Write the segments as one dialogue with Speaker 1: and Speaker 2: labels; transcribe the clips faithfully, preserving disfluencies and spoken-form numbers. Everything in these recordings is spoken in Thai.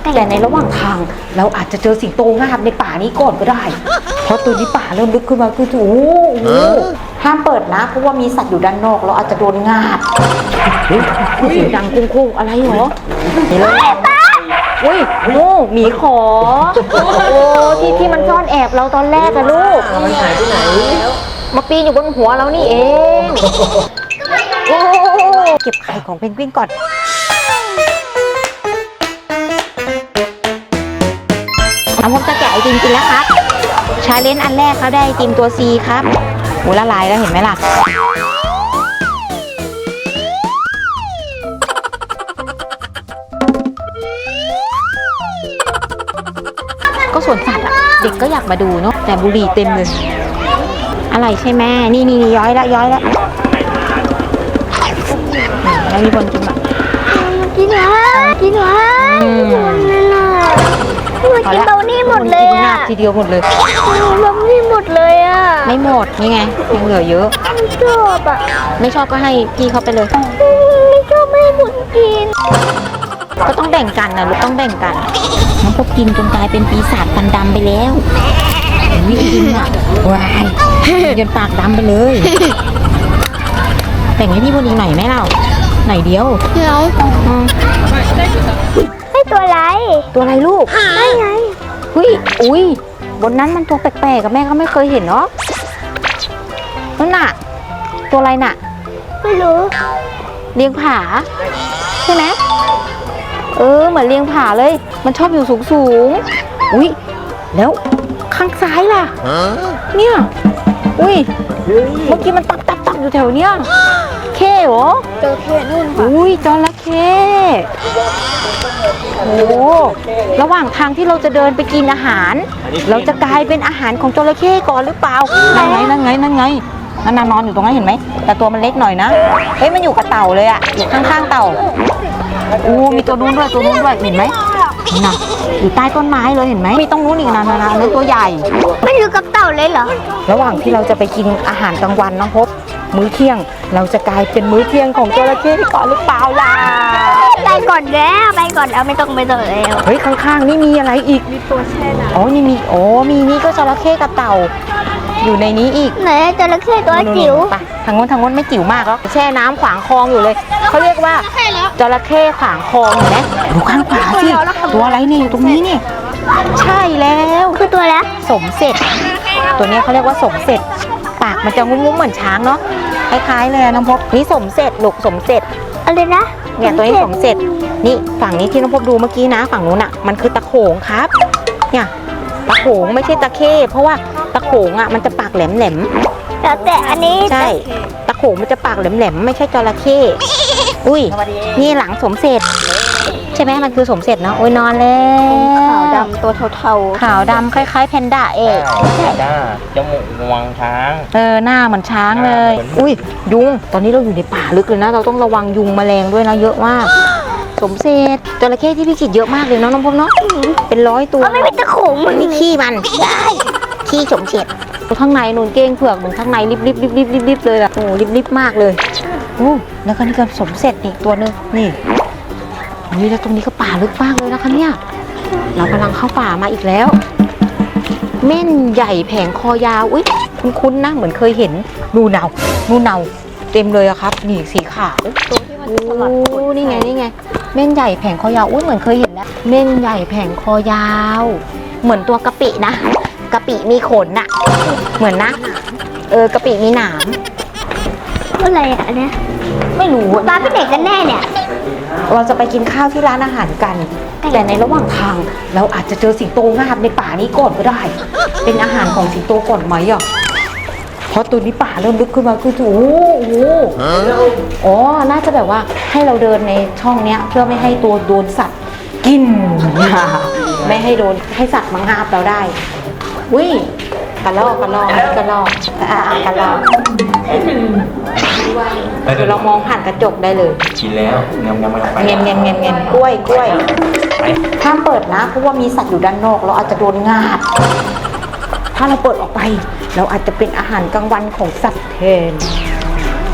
Speaker 1: แต่ในระหว่างทางเราอาจจะเจอสิงโตงาบในป่านี้ก่อนก็ได้เพราะตัวนี้ป่าเริ่มลึกขึ้นมาคือโอ้โหห้ามเปิดนะเพราะว่ามีสัตว์อยู่ด้านนอกเราอาจจะโดนงาบเสียงดังกุ้งๆอะไรเหรอเห็นเลยอุ้ยงูหมีขอโอ้ที่ที่มันซ่อนแอบเราตอนแรกอะลูก
Speaker 2: มันหายไปไหน
Speaker 1: มาปีนอยู่บนหัวเรานี่เอง โอ้เก็บไข่ของเพนกวินก่อนน้ำผมจะแกะไอติมกินแล้วครับชาเลนจ์อันแรกเขาได้ไอติมตัว C ครับโหละลายแล้วเห็นไหมล่ะก็สวนสัตว์อะเด็กก็อยากมาดูเนาะแต่บุหรี่เต็มเลยอะไรใช่ไหมนี่นี่ย้อยละย้อยละแล้วมีคนกินอ่ะ
Speaker 3: กินเหรอกินเหรอนั่นน่ะมันกินเบานี่หมดเลยอ่ะ
Speaker 1: ทีเดียวหมดเลย
Speaker 3: เบานี่หมดเลยอ่ะ
Speaker 1: ไม่หมดนี่ไงยังเหลือเยอะ
Speaker 3: ไม่ชอบอ่ะ
Speaker 1: ไม่ชอบก็ให้พี่เขาไปเลย
Speaker 3: ไม่ชอบไม่ให้คนกิน
Speaker 1: ก็ต้องแบ่งกันนะลูกต้องแบ่งกันน้องพวกกินจนกลายเป็นปีศาจฟันดำไปแล้ววิ่งกินอ่ะวายจนปากดำไปเลยแบ่งให้พี่พอดีหน่อยไหมเราหน่อยเดียว
Speaker 3: เดี๋ยวให้ตัวอะไร
Speaker 1: ตัวอะไรลูก
Speaker 3: ไม่ไง
Speaker 1: อุ้ยอุ้ยบนนั้นมันตัวแปลกๆกับแม่ก็ไม่เคยเห็นเนาะนั่นน่ะตัวอะไรน่ะ
Speaker 3: ไม่รู้
Speaker 1: เลี้ยงผาใช่ไหมเออเหมือนเลี้ยงผาเลยมันชอบอยู่สูงสูงอุ้ยแล้วข้างซ้ายล่ะเนี่ยอุ้ยเมื่อกี้มันตับตับตับอยู่แถวเนี้ยเข้เหรอ
Speaker 3: จระเข้นู่นค่ะ
Speaker 1: อุ้ยจระเข้โอ้ระหว่างทางที่เราจะเดินไปกินอาหารเราจะกลายเป็นอาหารของจระเข้ก่อนหรือเปล่านั่นไงนั่นไงนั่นไงนั่นนอนอยู่ตรงนั้นเห็นไหมแต่ตัวมันเล็กหน่อยนะเฮ้ยมันอยู่กับเต่าเลยอะอยู่ข้างๆเต่าอู้มีตัวนู้นด้วยตัวนู้นด้วยเห็นไหมน่ะอยู่ใต้ต้นไม้เลยเห็นไหมมีต้องนู้นอีกนะนะนะนั่นตัวใหญ่
Speaker 3: ไม่อยู่กับเต่าเลยเหรอ
Speaker 1: ระหว่างที่เราจะไปกินอาหารกลางวันน้องพบมื้อเที่ยงเราจะกลายเป็นมื้อเที่ยงของจระเข้ก่อนหรือเปล่าล่ะ
Speaker 3: ไปก่อนแล้วไปก่อนแล้วไม่ต้องไปต่อแล้ว
Speaker 1: เฮ้ยข้างๆนี่มีอะไรอีก
Speaker 3: มีตัวแช่น้ำ
Speaker 1: อ๋อนี่มีโอ้มีนี่ก็จระเข้กับเต่าอยู่ในนี้อีก
Speaker 3: ไหนจระเข้ตัวจิ๋ว
Speaker 1: ไปทางโน้นทางโน้นไม่จิ๋วมากแล้วแช่น้ำขวางคลองอยู่เลยเขาเรียกว่าจระเข้ขวางคลองเห็นไหมดูข้างขวาสิตัวอะไรนี่อยู่ตรงนี้นี่ใช่แล้ว
Speaker 3: คือตัวแล้ว
Speaker 1: สมเสร็จตัวนี้เขาเรียกว่าสมเสร็จปากมันจะงุ้มๆเหมือนช้างเนาะคล้ายๆเลยน้องพบนี่สมเสร็จลูกสมเสร็จ
Speaker 3: อะไรนะ
Speaker 1: เนี่ยตัวนี้สมเสร็จนี่ฝั่งนี้ที่น้องพบดูเมื่อกี้นะฝั่งนู้นอ่ะมันคือตะโขงครับเนี่ยตะโขงไม่ใช่ตะเข้เพราะว่าตะโขงอ่ะมันจะปากแหลม
Speaker 3: ๆแต่แต่อันนี้
Speaker 1: ใช่ตะโขงมันจะปากแหลมๆไม่ใช่จระเข้อุ้ยนี่หลังสมเสร็จใช่ไหมมันคือสมเสร็จเนาะโอ้ยนอนแล้ว
Speaker 3: ขาวดำตัวเทา
Speaker 1: ๆขาวดำคล้ายๆแพนด้าเอก
Speaker 2: แพนด้าจมูกงวงช้าง
Speaker 1: เออหน้าเหมือนช้างเลยอุ้ยยุงตอนนี้เราอยู่ในป่าลึกเลยนะเราต้องระวังยุงแมลงด้วยนะเยอะมากสมเสร็จจระเข้ที่พี่กิจเยอะมากเลยเนาะน้องพบเนาะเป็นร้อยตัว
Speaker 3: ไม่เป็นตะโขงมัน
Speaker 1: นี่ขี้มันได้ขี้สมเสร็จข้างในนูนเก้งเผือกเหมือนข้างในริบริบริบริบริบริบเลยล่ะโอ้ริบริบมากเลยโอ้แล้วก็นี่ก็สมเสร็จอีกตัวนึงนี่นี่แล้วตรงนี้ก็ป่าลึกมากเลยนะคะเนี่ยเรากำลังเข้าป่ามาอีกแล้วเม่นใหญ่แผงคอยาวอุ้ยคุ้นๆนะเหมือนเคยเห็นนูเนานูเนาเต็มเลยอะครับนี่สีขาวตัวที่มันสลัดโอ้นี่ไงนี่ไงเม่นใหญ่แผงคอยาวอุ้ยเหมือนเคยเห็นแล้วเม่นใหญ่แผงคอยาวเหมือนตัวกะปินะกะปิมีขนน่ะเหมือนนะเออกะปิมีหนาม
Speaker 3: อะไรอ่ะเนี่ย
Speaker 1: ไม่รู้
Speaker 3: ป้าไปไหนกันแน่เนี่ย
Speaker 1: เราจะไปกินข้าวที่ร้านอาหารกันแต่ในระหว่างทางเราอาจจะเจอสิงโตงาบในป่านี้ก่อนก็ได้เป็นอาหารของสิงโตก่อนไหมอ่ะเพราะตัวนี้ป่าเริ่มลึกขึ้นมาคือโอ้โหอ๋อน่าจะแบบว่าให้เราเดินในช่องเนี้ยเพื่อไม่ให้ตัวโดนสัตว์กินไม่ให้โดนให้สัตว์มางาบเราได้วิ่งกระลอกกระลอกกระลอกอ่ากระลอกเดี๋ยวเรามองผ่านกระจกได้เลย
Speaker 2: กินแล้วเงี้ยยังไม่ไป
Speaker 1: เงี้ยเงี้ยเงี้ยเงี้ยกล้วยกล้วยห้ามเปิดนะเพราะว่ามีสัตว์อยู่ด้านนอกเราอาจจะโดนงาบถ้าเราเปิดออกไปเราอาจจะเป็นอาหารกลางวันของสัตว์แทน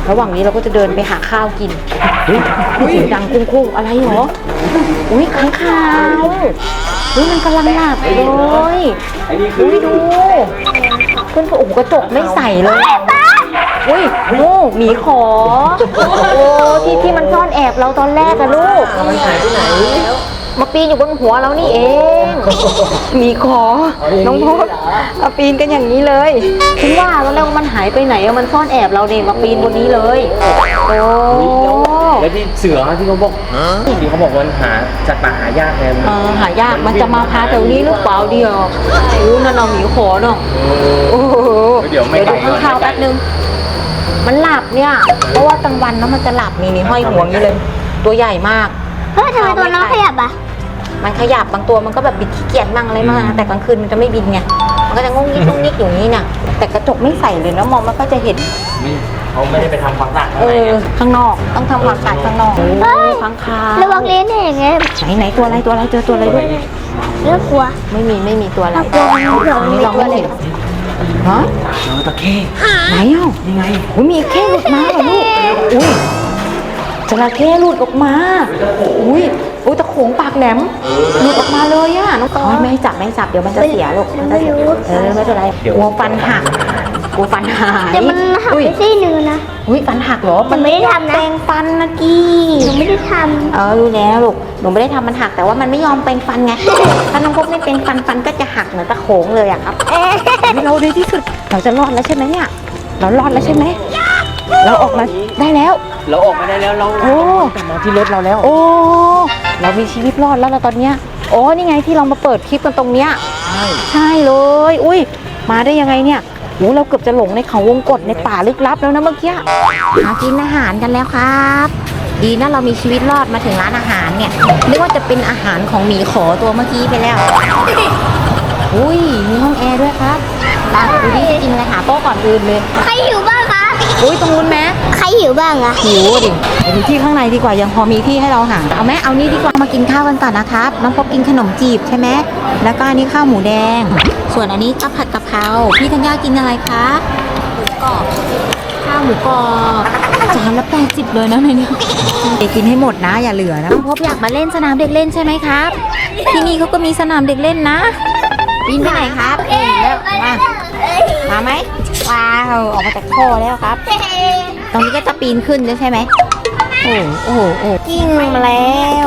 Speaker 1: ระหว่างนี้เราก็จะเดินไปหาข้าวกินเฮ้ยเสียงดังคุ้งๆอะไรเหรออุ้ยค้างคาวเฮ้ยมันกำลังหลับเลยอุ้ยดูเพื่อนๆโอ้โหกระจกไม่ใส่เลยอุ้ยโอ้หมีขอโอ้ที่ที่มันซ่อนแอบเราตอนแรกอะลูก
Speaker 2: มันหายไปไหน
Speaker 1: มาปีนอยู่บนหัวเรานี่เองหมีขอน้องพบมาปีนกันอย่างนี้เลยคิดว่าแล้วมันหายไปไหนอะมันซ่อนแอบเราเนี่ยมาปีนบนนี้เลยโอ้
Speaker 2: แล้วที่เสือที่เขาบอกที่เขาบอกว่าหาจากป่าหายากไง
Speaker 1: เออหายากมันจะมาพาแถวนี้หรือเปล่าเดียวโอ้นั่นเราหมีขอเนาะโอ้โห
Speaker 2: เดี๋ยวไม่
Speaker 1: เดี๋ยวดูข้างข่าวแป๊บนึงมันหลับเนี่ยเพราะว่ากลางวันนะมันจะหลับนี่นี่ห้อยหัวอย่างนี้เลย ตัวใหญ่มาก
Speaker 3: เฮ้ยทำไมตัวน้องขยับอ่ะ
Speaker 1: มันขยับบางตัวมันก็แบบบิดขี้เกียจมั่งอะไรมั่งนะแต่กลางคืนมันจะไม่บินไงมันก็จะงงงิกงงงิกอยู่นี่น่ะแต่กระจกไม่ใส่เลยนะมองมันก็จะเห็น
Speaker 2: เขาไม่ได้ไปทำความสะอาด
Speaker 1: เออข้างนอกต้องทำความสะอาดข้างนอกโอ้ยข้างคาว
Speaker 3: ระวังเลนเนี่ยไง
Speaker 1: ไหนไหนตัวอะไรตัวอะไรเจอตัวอะไรด้วย
Speaker 3: เรื่องกลัว
Speaker 1: ไม่มีไม่มีตัวอะไร
Speaker 3: กลัวมันเดี๋ยว
Speaker 1: อัน
Speaker 3: มี
Speaker 1: นี้เรา
Speaker 3: ตัว
Speaker 1: ไม่
Speaker 3: อะไร
Speaker 1: เห็นฮะ
Speaker 2: เจอตะเข้
Speaker 1: ไหนเอ้า
Speaker 2: ยังไง
Speaker 1: โอ้ยมีเข้หลุดมาเหรอลูกอุ้ยจระเข้หลุดออกมาอุ้ยอุ้ยตะโขงปากแหลมหลุดออกมาเลยอะน้องก้อยไม่ให้จับไม่ให้จับเดี๋ยวมันจะเสียลูกมันจะเสียเออไม่เป็นไรกลัวฟันหักกลัวฟันหาย
Speaker 3: แต่มันหัก
Speaker 1: อุ้ย
Speaker 3: ไปซี่หนึ่งนะ
Speaker 1: อุ้ยฟันหักเหรอ
Speaker 3: มันไม่ได้ทำนะ
Speaker 1: แปรงฟันนะกี้
Speaker 3: หนูไม่ได้ท
Speaker 1: เออรู้แล้วลูกหนูไม่ได้ทำมันหักแต่ว่ามันไม่ยอมแปรงฟันไง ถ้าน้องพบไม่แปรงฟันฟันก็จะหักเหมือนตะโขงเลยอะครับ
Speaker 3: ำเอ๊ะ
Speaker 1: เราดีที่สุดเราจะรอดแล้วใช่ไหมเนี่ยเรารอดแล้วใช่ไหมเราออกมาได้แล้ว
Speaker 2: เราออกมาได้แล้วเรา
Speaker 1: โอ้
Speaker 2: กลับมาที่รถเราแล้ว
Speaker 1: โอ้เรามีชีวิตรอดแล้วเราตอนเนี้ยโอ้นี่ไงที่เรามาเปิดคลิปกันตรงเนี้ย
Speaker 2: ใช่
Speaker 1: ใช่เลยอุ้ยมาได้ยังไงเนี่ยโอ้เราเกือบจะหลงในเขาวงกตในป่าลึกลับแล้วนะเมื่อกี้หากินอาหารกันแล้วครับ ดีนะเรามีชีวิตรอดมาถึงร้านอาหารเนี่ยนึกว่าจะเป็นอาหารของหมีขอตัวเมื่อกี้ไปแล้วอุ้ยมีห้องแอร์ด้วยครับตาดูดิจะกินอะไรหาโต๊ะก่อนอื่นเลย
Speaker 3: ใครหิวบ้างคะ
Speaker 1: อุ้ยตรงนู้นไหม
Speaker 3: ใครหิวบ้างอะ
Speaker 1: หิวดิไปดูที่ข้างในดีกว่ายังพอมีที่ให้เราหาเอาไหมเอานี่ดีกว่ามากินข้าวกันก่อนนะครับน้องพบกินขนมจีบใช่ไหมแล้วก็อันนี้ข้าวหมูแดง ส่วนอันนี้ก็ผัดกะเพราพี่ธัญญากินอะไรคะหมูกรอบข้าวหมูกรอบจานละแปดสิบเลยนะในนี้เด็กกินให้หมดนะอย่าเหลือนะน้องพบอยากมาเล่นสนามเด็กเล่นใช่ไหมครับที่นี่เขาก็มีสนามเด็กเล่นนะบินไปไหนครับเอ้ยแล้วมามาไหมว้าวออกมาจากท่อแล้วครับ ตรงนี้ก็จะปีนขึ้นด้วยใช่ไหมโอ้โอ้โอ้กิ้งมาแล้ว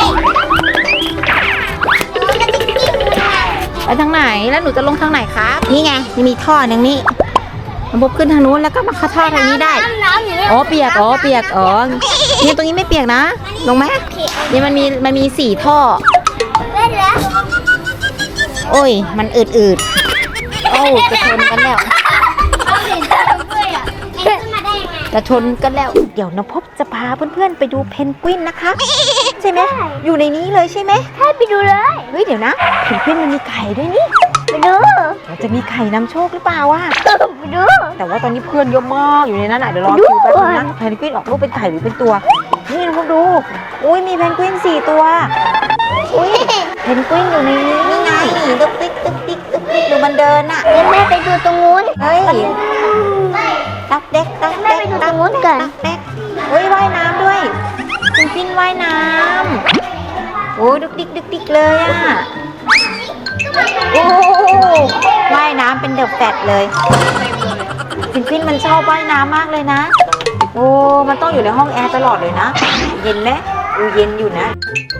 Speaker 1: ไปทางไหนแล้วหนูจะลงทางไหนครับนี่ไงมีท่อหนึ่งนี่มันบบขึ้นทางนู้นแล้วก็มาเข้าท่อทางนี้ได้
Speaker 3: น้ำน้ำอย่างเงี้ย
Speaker 1: อ๋อเปียกอ๋อเปียกอ๋อเนี่ยตรงนี้ไม่เปียกนะลงไหมเนี่ยมันมีมันมีสี่ท่อ
Speaker 3: เล่นแล้ว
Speaker 1: โอ้ยมันอืดอืดๆโอ้จะชนกันแล้ว
Speaker 3: เอาเห็นด้วยอ่ะเอ็นขึ้นมาได้ยังไง
Speaker 1: จะชนกันแล้วเดี๋ยวน้องพบจะพาเพื่อนๆไปดูเพนกวินนะคะใช่ไหมอยู่ในนี้เลยใช่ไหม
Speaker 3: ให้ไปดูเลย
Speaker 1: เฮ้ยเดี๋ยวนะเพนกวินมันมีไข่ด้วยนี่
Speaker 3: ไปดู
Speaker 1: เราจะมีไข่นำโชคหรือเปล่าวะ
Speaker 3: ไปดู
Speaker 1: แต่ว่าตอนนี้เพื่อนเยอะมากอยู่ในนั้นอ่ะเดี๋ยวรอคิวแป๊บนึงนะเพนกวินออกลูกเป็นไข่หรือเป็นตัวนี่น้องพบดูอุ้ยมีเพนกวินสี่ตัวอุ้ยเพนกวินอยู่ในนี้นี่ไงตึ๊กติ๊กตึ๊กติ๊กตึ๊กติ๊กดูมันเดินอ่ะ
Speaker 3: เดี๋ยวแม่ไปดูตรงนู้น
Speaker 1: เฮ้ยตักเด็กตัก
Speaker 3: แม่
Speaker 1: เด็ก
Speaker 3: ไปดูตรงนู้นก่อน
Speaker 1: ตักเด็กเฮ้ยว่ายน้ำด้วยเพนกวินว่ายน้ำโอ้ยดุกดิกดุกดิกเลยอ่ะโอ้ว่ายน้ำเป็นเดอะแฟตเลยเพนกวินมันชอบว่ายน้ำมากเลยนะโอ้มันต้องอยู่ในห้องแอร์ตลอดเลยนะเย็นไหมอูเย็นอยู่นะ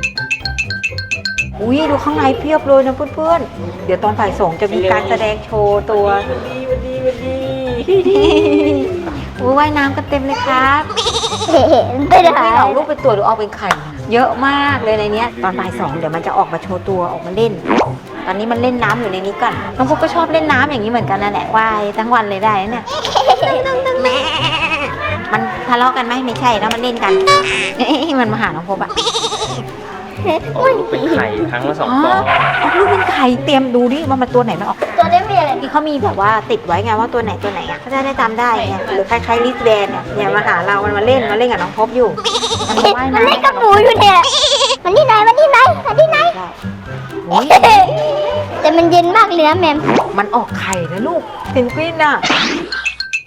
Speaker 1: อุ้ยดูข้างในเพียบเลยนะเพื่อนๆเดี๋ยวตอนบ่ายสองจะมีการแสดงโชว์ตัวโอ้ยว่ายน้ำกันเต็มเลยครับ
Speaker 3: เห็นไป
Speaker 1: ไม่
Speaker 3: ไหน
Speaker 1: ออกลูกเป็นตัวหรือออกเป็นไข่ เยอะมากเลยในเนี้ยตอนบ่ายสองเดี๋ยวมันจะออกมาโชว์ตัวออกมาเล่น ตอนนี้มันเล่นน้ำอยู่ในนี้ก่อนน้องพวกก็ชอบเล่นน้ำอย่างนี้เหมือนกันนั่นแหละว่ายทั้งวันเลยได้นะเนี่ยมันทะเลาะกันไหมไม่ใช่แล้วมันเล่นกันเอ้ยมันมาหาน้องพบอะ
Speaker 2: ออกลูกเป็นไข่ครั้งละสอง
Speaker 1: อ๋อ
Speaker 2: ฟอง
Speaker 1: ออกลูกเป็นไข่เตรียมดูดิว่ามันตัวไหนมันออก
Speaker 3: ตัวนี้มีอะไร
Speaker 1: ที่เขามีแบบว่าติดไว้ไงว่าตัวไหนตัวไหนอะเขาจะได้จำได้ไงหรือคล้ายๆลิสแบนเนี่ยเนี่ยมาหาเรามันมาเล่นมาเล่นกับน้องพบอยู่มันมาว่าย
Speaker 3: มัน
Speaker 1: น้ำ
Speaker 3: เล่นกับหนูอยู่เนี่ยมันที่ไหนมันที่ไหนมันที่ไหน
Speaker 1: ได้โอ้ย
Speaker 3: แต่มันเย็นมากเลยนะแมม
Speaker 1: มันออกไข่นะลูกเพนกวินอะ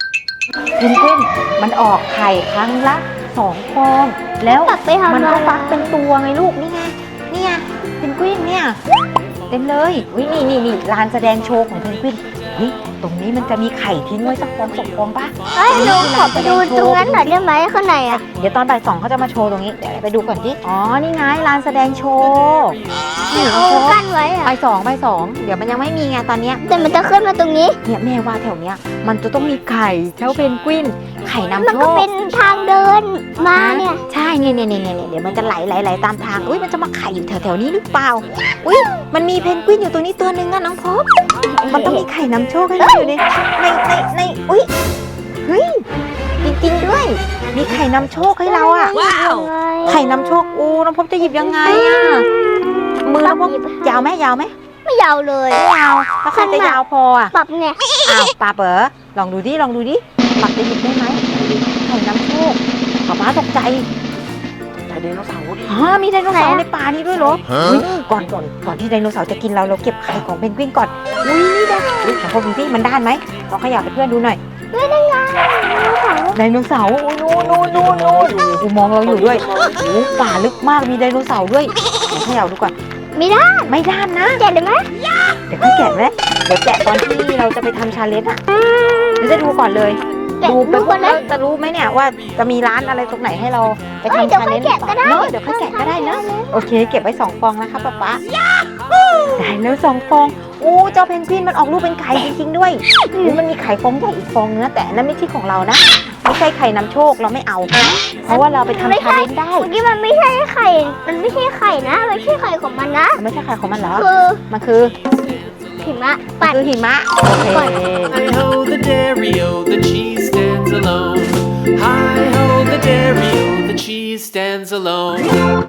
Speaker 1: เพนกวินมันออกไข่ครั้งละสองฟองแล้ว
Speaker 3: ปักไปทำ
Speaker 1: มัน
Speaker 3: อะไร
Speaker 1: ก็ฟักเป็นตัวไงลูกนี่ไงนี่ไงเพนกวินเนี่ยเต็มเลยวินี่นี่นี่ลานแสดงโชว์ของเพนกวินเฮ้ยตรงนี้มันจะมีไข่ทิ้งไว้สักฟองสองฟองปะ
Speaker 3: เฮ้ยหนูขอไปดูตรงนั้นหน่อยได้ไหมข้างในอ่ะ
Speaker 1: เดี๋ยวตอนบ่ายสองเขาจะมาโชว์ตรงนี้เดี๋ยวไปดูก่อนที่อ๋อนี่ไงลานแสดงโชว์นี่
Speaker 3: เอา
Speaker 1: โชว์
Speaker 3: กั้นไว้อ่ะ
Speaker 1: บ่ายสองบ่ายสองเดี๋ยวมันยังไม่มีไงตอนเนี้ย
Speaker 3: แต่มันจะขึ้นมาตรงนี้
Speaker 1: เนี่ยแม่ว่าแถวเนี้ยมันจะต้องมีไข่เจ้าเพนกวินไข่นำ
Speaker 3: มัน
Speaker 1: โช
Speaker 3: ก็
Speaker 1: ค
Speaker 3: เป็นทางเดินมาเนี่ย
Speaker 1: ใช่เนี่ยเนี่ยเนี่ยเนี่ยเดี๋ยวมันจะไหลไหลไหลตามทางอุ้ยมันจะมาไข่อยู่แถวแถวๆนี้หรือเปล่าอุ้ยมันมีเพนกวินอยู่ตัวนี้ตัวหนึงอะน้องพบมันต้องมีไข่นำโชคให้เราอยู่ในในในในอุ้ยเฮ้ยจริงๆด้วย มีไข่นำโชคให้เราอะ
Speaker 3: ว้าว
Speaker 1: ไข่นำโชคอูน้องพบจะหยิบยังไงอะมือน้องพบยาวไหมยาวไหม
Speaker 3: ไม่ยาวเลย
Speaker 1: ไม่ยาวแล้วใครจะยาวพออะ
Speaker 3: ปรับไง
Speaker 1: อ้าวปลาเป๋อลองดูดิลองดูดิปรับจะหยิบได้ไหมไข่นำโชคป๊าป๊าตกใจ
Speaker 2: ไดโนเสาร์ดิ
Speaker 1: ฮะมีไดโนเสาร์ในป่านี้ด้วยเหรออุ๊ยก่อนก่อนก่อนที่ไดโนเสาร์จะกินเราเราเก็บไข่ของเพนกวินก่อนอุ้ยนี่นะอุ้ยขอพบดูที่มันด้านไหมลองขยับให้เพื่อนดูหน่อย
Speaker 3: ไม่ได้ไง
Speaker 1: ไดโนเสาร์อุ้ยนู่นนู่นนู่นนู่นกูมองเราอยู่ด้วยโอ้ป่าลึกมากมีไดโนเสาร์ด้วยลองขยับดูก่อน
Speaker 3: ไม่ได้
Speaker 1: ไม่ด้านนะ
Speaker 3: แกะได้ไหม
Speaker 1: เดี๋ยวค่อยแกะไหมเดี๋ยวแกะตอนที่เราจะไปทำชาเลนจ์อะเดี๋ยวจะดูก่อนเลย
Speaker 3: แกะ
Speaker 1: ดูไป
Speaker 3: ดู
Speaker 1: พ
Speaker 3: ก่
Speaker 1: ว
Speaker 3: อก น
Speaker 1: เรา
Speaker 3: นะ
Speaker 1: จะรู้ไหมเนี่ยว่าจะมีร้านอะไรตรงไหนให้เราไป
Speaker 3: เอ้ย
Speaker 1: ทำ
Speaker 3: เดี๋ยว
Speaker 1: ชา
Speaker 3: ค่
Speaker 1: เล
Speaker 3: อย
Speaker 1: นจ์
Speaker 3: แกะก็ได้
Speaker 1: เนาะเดี๋ยวค่อยแกะก็ได้นะโอเค เก็บไว้สองฟองนะคะป๊าป๊าได้แล้วสองฟองโอ้เจ้าเพนกวินมันออกลูกเป็นไข่จริงๆด้วยโอ้มันมีไข่ฟองใหญ่อีกฟองนึงนะแต่อันนั้นไม่ใช่ของเรานะไม่ใช่ไข่นำโชคเราไม่เอา เพราะว่าเราไปทำชาเลนจ์ได้
Speaker 3: เมื่อกี้มันไม่ใช่ไข่ มันไม่ใช่ไข่นะมันไม่ใช่ไข่ของมันนะ
Speaker 1: มันไม่ใช่ไข่ของมันเหรอ
Speaker 3: คือ
Speaker 1: มันคือ
Speaker 3: หิมะ
Speaker 1: มั
Speaker 3: ปั่
Speaker 1: น
Speaker 3: น
Speaker 1: คือหิมะโอเค
Speaker 4: Hi ho, the dairy o, the cheese stands alone. Hi ho, the dairy o, the cheese stands alone.